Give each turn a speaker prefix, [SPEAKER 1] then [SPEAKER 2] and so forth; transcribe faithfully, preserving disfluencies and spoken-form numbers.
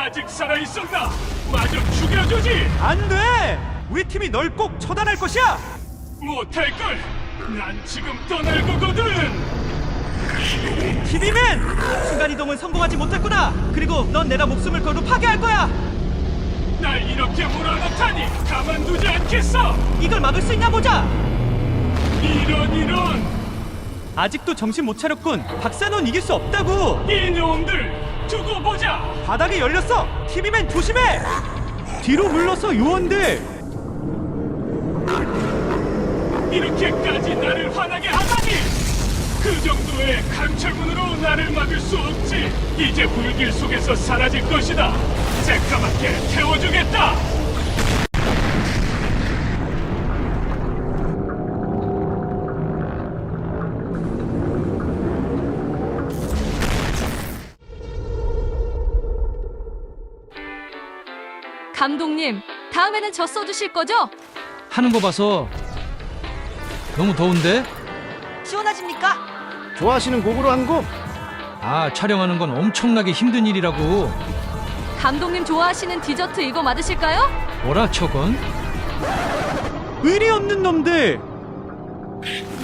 [SPEAKER 1] 아직 살아있었나? 마저 죽여주지!
[SPEAKER 2] 안 돼! 우리 팀이 널 꼭 처단할 것이야!
[SPEAKER 1] 못할걸! 난 지금 떠날 거거든!
[SPEAKER 2] 티비맨! 순간이동은 성공하지 못했구나! 그리고 넌 내가 목숨을 걸고 파괴할 거야!
[SPEAKER 1] 날 이렇게 몰아넣다니 가만두지 않겠어!
[SPEAKER 2] 이걸 막을 수 있나 보자!
[SPEAKER 1] 이런 이런!
[SPEAKER 2] 아직도 정신 못 차렸군! 박사는 이길 수 없다고!
[SPEAKER 1] 이놈들! 두고 보자!
[SPEAKER 2] 바닥이 열렸어! 티비맨 조심해! 뒤로 물러서 요원들!
[SPEAKER 1] 이렇게까지 나를 화나게 하다니! 그 정도의 강철문으로 나를 막을 수 없지! 이제 불길 속에서 사라질 것이다! 새까맣게 태워주겠다!
[SPEAKER 3] 감독님, 다음에는 저 써주실 거죠?
[SPEAKER 4] 하는 거 봐서 너무 더운데?
[SPEAKER 5] 시원하십니까?
[SPEAKER 6] 좋아하시는 곡으로 한 곡?
[SPEAKER 4] 아, 촬영하는 건 엄청나게 힘든 일이라고.
[SPEAKER 3] 감독님 좋아하시는 디저트 이거 맞으실까요?
[SPEAKER 4] 뭐라 저건?
[SPEAKER 2] 의리 없는 놈들!